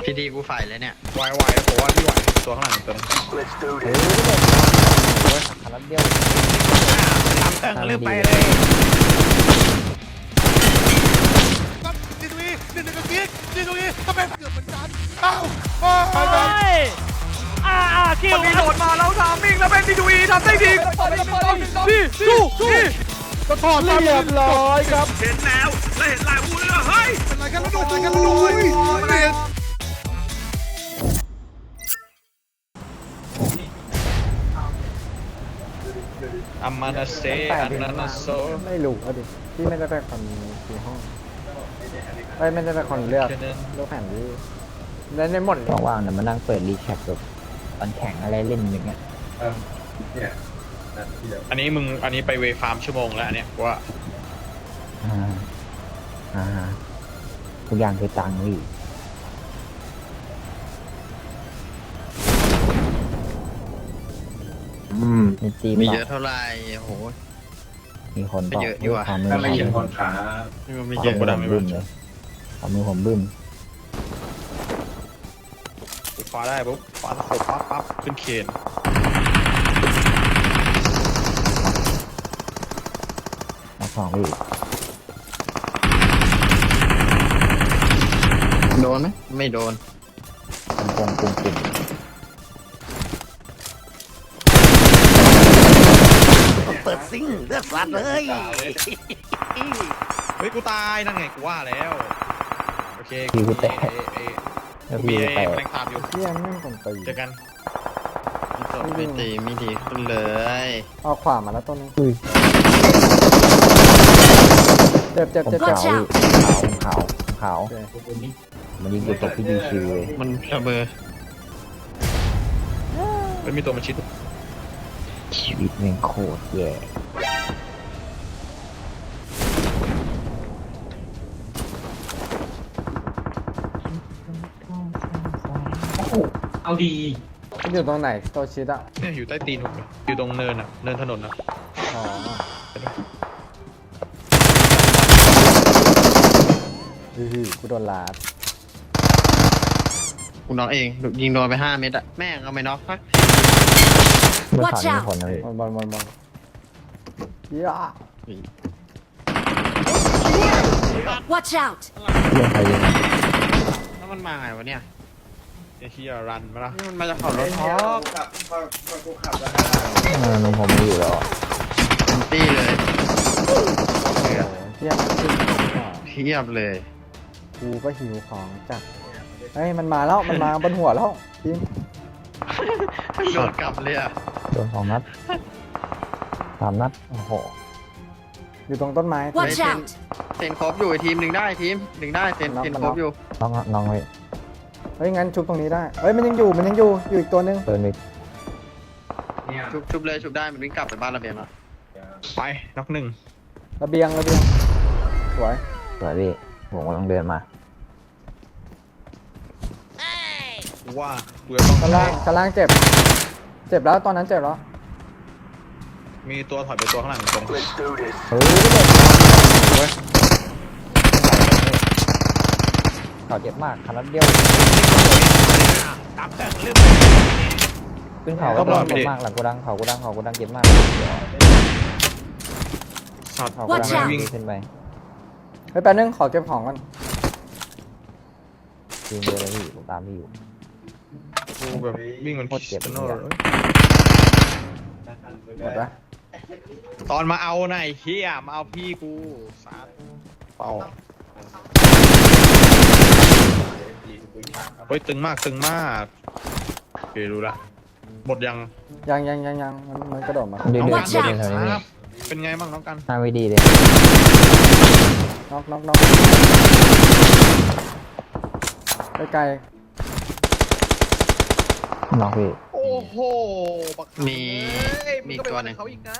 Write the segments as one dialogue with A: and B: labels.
A: พี่ดีกูฝ่ายเลยเนี่ย
B: ไหวแล้วผมว่าพี่ไหวตัวข้างหลังตัวนึง
C: ขันรถเดียว
B: ตามเติงลืมไปเลย
D: นี่ตรงนี้นี่ตรงนี้นี่ตรงนี้ทำไมเกือบเหมือนกันอ้าว
B: คิวมันมีโดดมาแล้วทามมิ่งแล้วเป็นดีดูอีทำได้ดีพี่
C: ก็ถอดเรียบร้อยครับ
B: เห็นแล้วและเห็นลายวูเลยเฮ้ย
D: เป็นไรกันแล้วโดนเปลี่ยน
B: อามานาเซอานานาโซ
C: ไม่รู้อ่ะดิพี่ไม่ได้ไปคอนที่ห้องไม่ได้ไปคอนเลือกแผ่นที่แล้วในหมด
E: ว่างๆเนี่ยมานั่งเปิดรีแคปแบบตอนแข่งอะไรเล่นอย่างเงี้ย
B: อันนี้ไปเวฟาร์มชั่วโมงแล้วเนี่ยว่า
E: ทุกอย่างคือตังค์พี่
A: มีเยอะเท่าไหร่โห
E: มีคน
A: เยอะดีกว่า
E: ไม่เห็นคนขา
A: ไม่เยอะ
E: กระดังบึ้มเลยเอามือผมบึ้ม
B: คว้าได้ปุ๊บคว้าตะขบปั๊บขึ้นเคน
E: มาสองพี่
A: โดนไหมไม่โดน
E: ปุ่ม
A: เปิดซิ่งเลือดสัตว์เลย
B: เฮ้ยกูตายนั่นไงกูว่าแล้วโอเค
E: กูแตก
B: มีแรงตามอยู่
C: เที่ยงไม่คนตี
B: เจอกัน
A: ไม่ตีไม่ดีขึ้นเลย
C: เอาขวามาแล้วต้นนี้เจ็บ
E: ขาวมันยิงตัวตกที่ดีคิวเลย
A: มันระเบิด
B: ไม่มีตัวมาชิด
E: ชีวิตแม่งโคตรแย่
B: เอาดี
C: มันอยู่ตรงไหนตัวชิดอ่ะ
B: เนี่ยอยู่ใต้ตีนผมอยู่ตรงเนินอ่ะเนินถนนอ่ะ
C: อ๋อกูโดนลาด
A: กูน็อกเองยิงโดนไป5 เม็ดอะแม่งเอาไม่น็อกพัก
E: เมื่อข่าวมีคนเลย
C: บอลย่า
E: Watch out เรื่องใครยิง
A: แล้วมันมาไงวะเนี่ย
B: เฮียรันมาละ
A: นี่มันมาจากเขารถท็อป
E: นมผมไม่อยู่แล้ว
A: เป็นตี้เลย
C: เทียบ
A: เลย
C: กูก็หิวของจัดเฮ้ยมันมาแล้วมันมาบนหัวแล้วจริง
A: โดนกลับเลยอ่ะ
E: โดน2 นัด 3 นัดโอ้โห
C: อยู่ตรงต้นไม้
A: เซนครบอยู่ทีมหนึ่งได้เซนครบอยู่
E: น้องเลย
C: เฮ้ยงั้นชุบตรงนี้ได้เฮ้ยมันยังอยู่อีกตัวนึง
E: เปิดมิก
A: ชุบเลยชุบได้มันวิ่งกลับไปบ้านระเบียงแล้ว
B: ไปน็อก1
C: ระเบียงสวย
E: พี่ผมกำลังเดินมา
B: ว่าเบื่อต้อง
C: ชั้นล่างเจ็บแล้วตอนนั้นเจ็บแล้ว
B: มีตัวถอยไปตัวข้างหลังตรง
E: เขาเจ็บมากขนาดเดียว
B: ตามเติงลืม
E: ขึ้นเขาก็เจ็บมากหลังกูดังเขาเจ็บมาก
B: เขา
E: วิ่งขึ้นไป
C: เฮ้ยแป๊บนึงขอเก็บของก่อน
E: ยิงเลยพี่ผมตามพี่อยู่
B: กูแบบวิ่งมันโคตรเจ็บหม
C: ดปะ
B: ตอนมาเอาไหนเฮียมาเอาพี่กูสาดเป่าเฮ้ยตึงมากโอเครู้ละหมดยัง
C: มันกระโดดมา
E: เดี๋ยว
B: เป็นไงบ้างน้องกัน
E: น่าไม่ดีเลย
C: น็อกไกล
E: น็อกพี่
B: โอ้โห
A: มีตัวนึง
B: เขาอีกนะ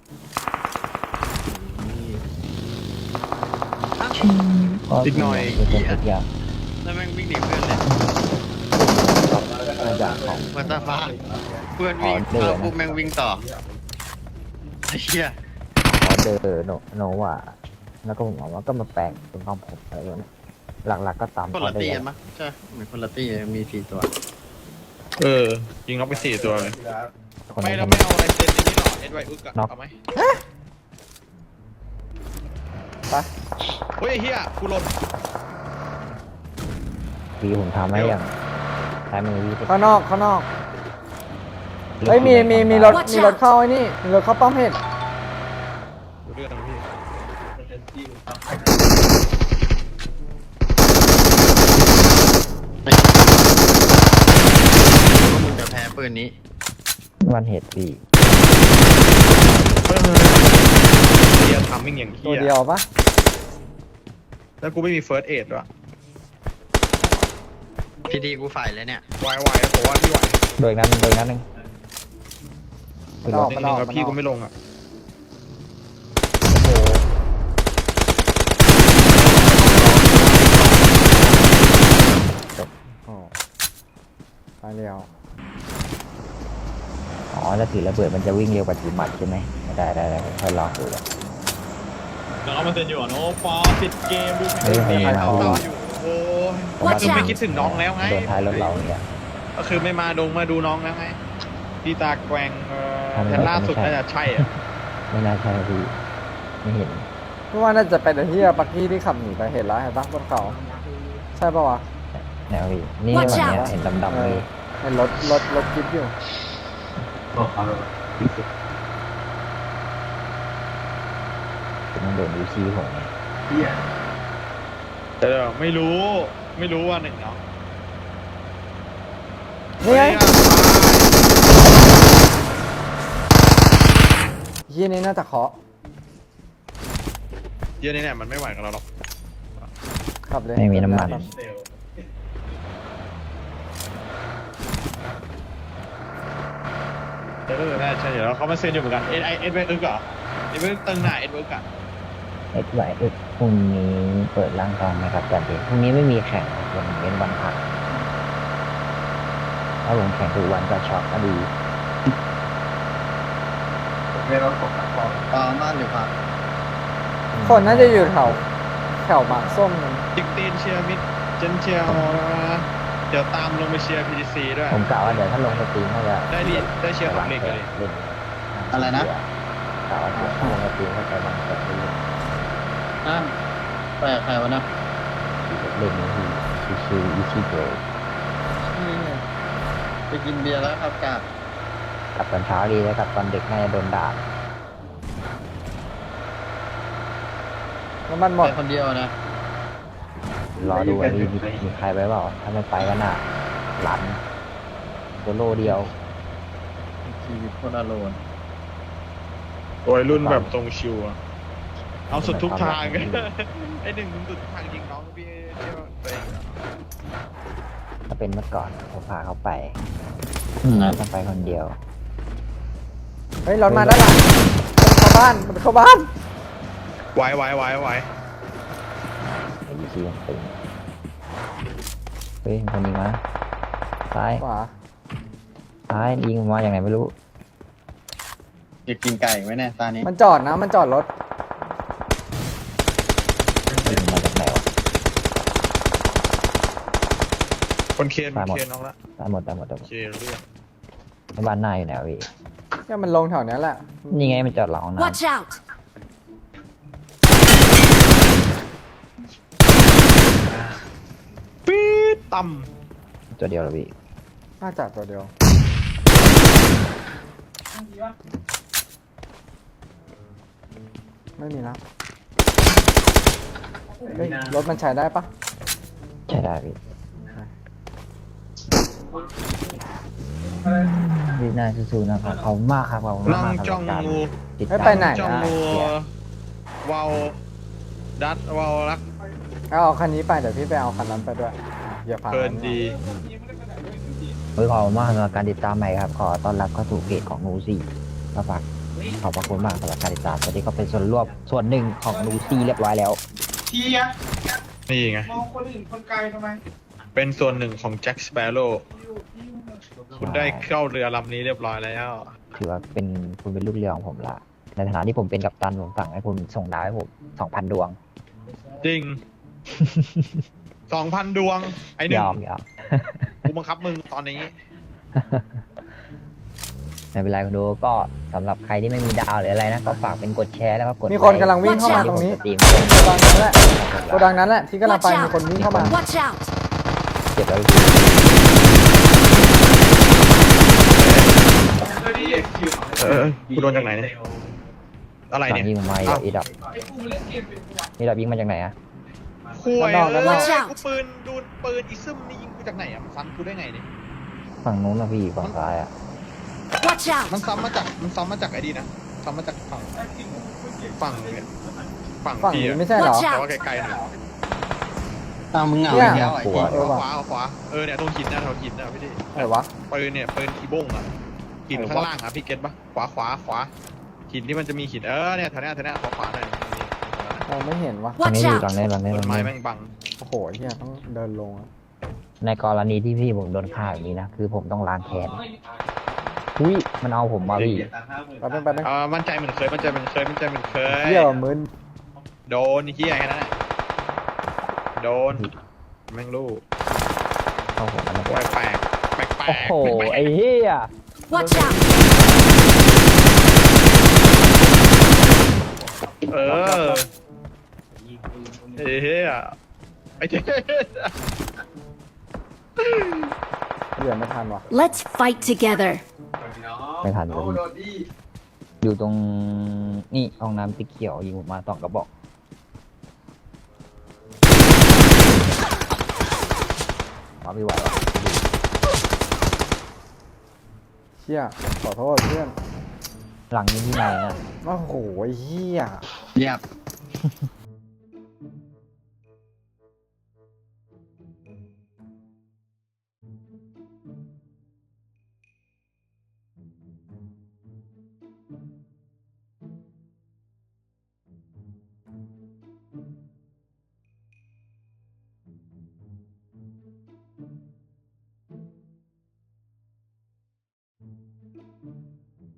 B: อีกหน่อย
A: แล้วแม่งวิ่งหนีเพื่อนเลย
E: มาจากของ
A: มาตาฟ้าเพื่อนวิ่งแล้วปุ๊บแม่งวิ่งต่อไอ้เหี้ย
E: ขอเจอโนว่าแล้วก็ผมบอกว่าก็มาแปลงเป็นความผมอะไรอย่างเงี้ยหลักๆก็ตาม
A: คนละ
E: ได้
A: ตี
E: แล้
A: กัน
E: ว
A: มั้ยใช่เหมือนคนละตีมี4 ตัว
B: ยิงน็อกไป4 ตัวเลย
E: คน
B: ไม่
E: นี้
B: เราไม่เอาอะไรเซนนี้หรอเอ็ดไวอึกอะเอาไหม
C: ไป
B: เฮ้ยเฮียกูหล่น
E: พี่ผมทำให้อย่างซ้ายมือพี่
C: ข้างนอกเฮ้ยมีรถเข้าไอ้นี่มีรถเข้าป้อมเห็ด
B: ดูเรื่องนะพี่
A: ก็มึงจะแพ้ปืนนี้
E: วันเหตุพี่
B: เฮียทำมิ่งอย่างเฮี
C: ตัวย เดียวปะ
B: แล้วกูไม่มีเฟิร์สเอดด้วย
A: พีดีกูฝ่ายเลยเนี่ย
B: ไหวผมว่าที่ไหว
E: โดยนั้นหนึ่ง
C: มันออก
B: จริงๆแล้วพี่กูไม่ลงอ่ะ
C: โอ้ตายแล้ว
E: อ๋อแล้วถือระเบิดมันจะวิ่งเร็วกว่าถือหมัดใช่ไหมได้ผมค่อยลองดูเลย
B: แล้วเอามาเซ็นอยู่อ่ะโน้ปอปิดเกมดู
E: เฮ้ยไม่มา
B: เอา
E: พี่
B: อยู่โอ้ย
E: ผมว่า
B: คือไม่คิดถึงน้องแล้วไง
E: โดนท้ายรถเราเนี่ย
B: ก็คือไม่มาดูน้องแล้วไงพี่ตาแกว่ง
E: ทำไม
B: แต่ล่าสุด
E: ไม่ใช่
B: น่าจะใช่อ่ะ
E: ไม่น่าใช่พี่ไม่เห็น
C: เพราะว่าน่าจะเป็นไอ้เหี้ยปักกี้ที่ขับหนีไปเห็นแล้วเห็นปะบนเขาใช่ปะวะ
E: แนวพี่นี่วันเนี้ยเห็นดำๆเลย
C: เห็นรถจิ๊บอยู่
E: มันโดนยูซีผมไง
B: แต่ไม่รู้ว่าหนึ่งเนาะ
C: นี่ไงเหี้ยนี่น่าจะเคาะ
B: เยอะนี่เนี่ยมันไม่ไหวกับเราหรอก
C: ขับเลย
E: ไม่มีน้ำมัน
B: น่าใช่เดี๋ยวเขามาเซ็นอยู่เหมือนกันเอ็ดเวอึกเหรอเอ็ดเวอึกตึงหน้าเอ็ดเวอึกอ่ะ
E: ไหวพรุ่งนี้เปิดร่างกองไหมครับจันเด็กพรุ่งนี้ไม่มีแข่งวันเว้นวันพักถ้าผมแข่งทุกวันก็ช็อตก็ดี
A: บ้านหรือพัก
C: คนน่าจะอยู่แถวหมากส้มนั่น
B: จิกตีนเชียร์มิดเจนเชียร์เดี๋ยวตามลงไปเชียร์ PTC ด้วย
E: ผมกะว่าเดี๋ยวถ้าลงสตรีมน่าจะ
B: ได้เชียร์ของเล็กเลย
E: เล่น
A: อะไรนะ
E: กะว่าเดี๋ยวถ้าลงสตรีมก็จะวางแบบเล่น
A: ไปกับใครวะนะ
E: เล่นนี้คือชิวๆอีซี่โก
A: ไปกินเบียร์แล้วครับกาด
E: กลับตอนเช้าดีแล้วกลับตอนเด็กน่าจะโดนด่า
C: น้ำมันหมด
A: ไปคนเดียวนะ
E: รอดูว่ามีใครไปเปล่าถ้าไม่ไปก็น่าหลันโซโล่เดียว
A: ชีวิตโคตรอโลน
B: โอ้ยรุ่นแบบตรงชิวอะเอาสุดทุกทางไอ้หนึ่งมึงสุดทุกทางจริงน้องพี่เชื่อตัวเอง
E: ถ้าเป็นเมื่อก่อนผมพาเขาไปต้องไปคนเดียว
C: เฮ้ยรถมาด้านหลังมันเข้าบ้าน
B: ไหว
E: ไอ้ยูซีมันตึงเฮ้ยคนยิงมาซ้าย
C: ขวา
E: ยิงมาอย่างไรไม่รู้
A: อยากกินไก่ไหมเนี่ยตานี้
C: มันจอดรถ
E: ยิงมาจากไหนวะ
B: คนเคนน้องละ
E: ตายหมด
B: เคเรื่อง
E: บ้านหน้าอยู่ไหนวะพี่
C: เนี่ยมันลงแถวเนี้ยแหละ
E: นี่ไงมันจอดหลังห้องน้
F: Watch out!
B: ปี๊ดต่
E: ำตัวเดียวเหรอพี่
C: น่าจะตัวเดียวไม่มีนะเฮ้ยรถมันใช้ได้ปะ
E: ใช่ได้พี่พี่น่าสู้ๆนะครับเขามากครับเขา
B: ำ
E: มาก
B: นั่ง
E: ครับ
B: จ้อง
E: การ
B: งู
E: ติด
C: ไม่
E: ตาม
C: ไปไหน
B: จ้อง
C: นะ
B: งูวาวดัดวาวรัก
C: เอาคันนี้ไปเดี๋ยวพี่ไปเอาคันนั้นไปด้วยอย่าพา
B: เพลินดี
E: ขอบคุณมากสำหรับการติดตามใหม่ครับขอต้อนรับเข้าสู่เพจของนูซี่ก็ฝากขอบพระคุณมากสำหรับการติดตามตอนนี้ก็เป็นส่วนหนึ่งของนูซี่เรียบร้อยแล้ว
B: นี่ไงเป็นส่วนหนึ่งของแจ็คสเปโร่คุณได้เข้าเรือลำนี้เรียบร้อยแล้ว
E: ถือว่าคุณเป็นลูกเรือของผมละในฐานะที่ผมเป็นกัปตันผมสั่งให้คุณส่งดาวให้ผม 2,000 ดวง
B: จริง 2,000 ดวงไอ้หนึ่
E: ย
B: ง
E: อมยอม
B: กูบังคับมึงตอนนี้
E: ไม่เป็นไรคุณดูก็สำหรับใครที่ไม่มีดาวหรืออะไรนะก็ฝากเป็นกดแชร์แล้วก็กด
C: มีคนกำลังวิ่งเข้ามาตรงนี้
E: สตรีม
C: โกดังนั้นแหละโกดังนั้นแหละที่กำลัง
F: Watch
C: ไปมีคนวิ่งเข้ามา
F: Watch out!
E: เก็บไว้
B: กูโดนจากไหนเนี่ยอะไร
E: หลัง
B: เนี่ย
E: ยิงมาอีดับยิงมาจากไหนอะ
B: คุย
C: ด้านนอกด้านนอก
F: Watch out
B: กูดูปืนอีซึมนี่ยิงกูจากไหนอ่ะมันซ้ำกูได้ไงเนี่ย
E: ฝั่งนู้นนะพี่ฝั่งซ้ายอะ
F: Watch out!
B: มันซ้ำมาจากไอ้ดีนะซ้ำมาจากฝั่งเนี่ยฝั่ง
C: ฝั่ง
B: พี่
C: นี้
B: อะ
C: ไม่ใช่เหรอ
F: Watch out
B: แต่ว่าไกลๆหน่อย
A: ตามมึงเหงา
C: เนี่ย
A: อีกแล้วไอ้เหี้ย
C: เออว่ะ
B: ขวาเนี่ยตรงหินนะแถวหินนะพี่ดิ
C: ไหนวะ
B: ปืนอีบ้งอ่ะหินข้างล่างอ่ะพี่เก็ตปะขวาหินที่มันจะมีหินเนี่ยแถวเนี้ยขวาหน่อย
C: มองไม่เห็นวะ
E: ฝั่ง
F: Watch
E: นี้อยู่
F: out!
E: ฝั่งนี้ฝั่งนี้
B: ต้น
E: ฝั่ง
B: ไม้
E: นี้
B: แม่งบัง
C: โอ้โหเฮียต้องเดินลงอะ
E: ในกรณีที่พี่ผมโดนฆ่าแบบนี้นะคือผมต้องล้างแค้นอุ้ยมันเอาผมมาพี่
C: แป๊บนึง
B: มั่นใจเหมือนเคย
C: เฮียว่ะมึน
B: โดนเฮียแค่นั้นแหละโดนแม่งลูก
E: เข้าผมมัน
B: แปลก
E: โอ้โหไอ้เหี้ย
F: Watch out!
B: เออเฮียไอ้เจ๊
C: เหลือไม่ทันวะ
F: Let's fight together.
E: ไม่ทันเลยพี่อยู่ตรงนี่ห้องน้ำติ๊กเขียวยิงผมมา2 กระบอกมาไม่ไหวแล้ว
C: เชี่ยขอโทษเพื่อน
E: หลังยิงที่ไหนอ่ะ
C: โอ้โหเฮีย
A: เรียบ